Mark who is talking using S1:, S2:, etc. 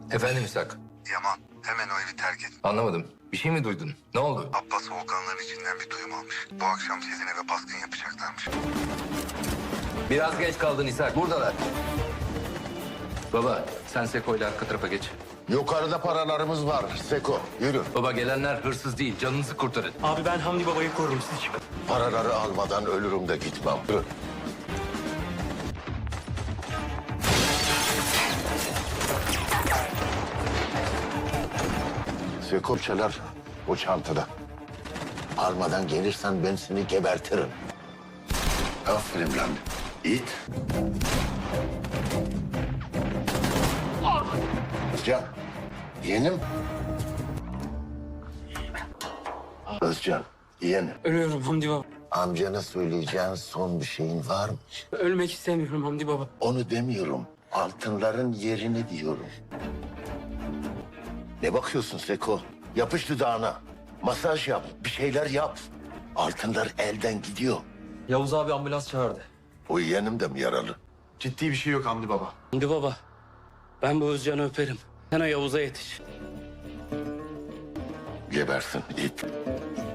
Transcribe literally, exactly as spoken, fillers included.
S1: Efendim İshak?
S2: Yaman, hemen o evi terk et.
S1: Anlamadım. Bir şey mi duydun? Ne oldu?
S2: Abbas Volkanların içinden bir duyum almış. Bu akşam sizin eve baskın yapacaklarmış.
S1: Biraz geç kaldın İshak. Buradalar. Baba sen Seko'yla arka tarafa geç.
S3: Yukarıda paralarımız var. Seko, yürü.
S1: Baba gelenler hırsız değil. Canınızı kurtarın.
S4: Abi ben Hamdi Baba'yı korurum, siz çıkın.
S3: Paraları almadan ölürüm de gitmem. Yürü. Seko çalar o çantada. Almadan gelirsen ben seni gebertirim. Aferin lan. İt. Özcan, yeğenim. Özcan, yeğenim.
S4: Ölüyorum Hamdi Baba.
S3: Amcana söyleyeceğin son bir şeyin var mı?
S4: Ölmek istemiyorum Hamdi Baba.
S3: Onu demiyorum. Altınların yerini diyorum. Ne bakıyorsun Seko? Yapış dudağına. Masaj yap. Bir şeyler yap. Altınlar elden gidiyor.
S5: Yavuz abi ambulans çağırdı.
S3: O yeğenim de mi yaralı?
S6: Ciddi bir şey yok Hamdi Baba.
S4: Hamdi Baba, ben bu Özcan'ı öperim. Sen o Yavuz'a yetiş.
S3: Gebersin it.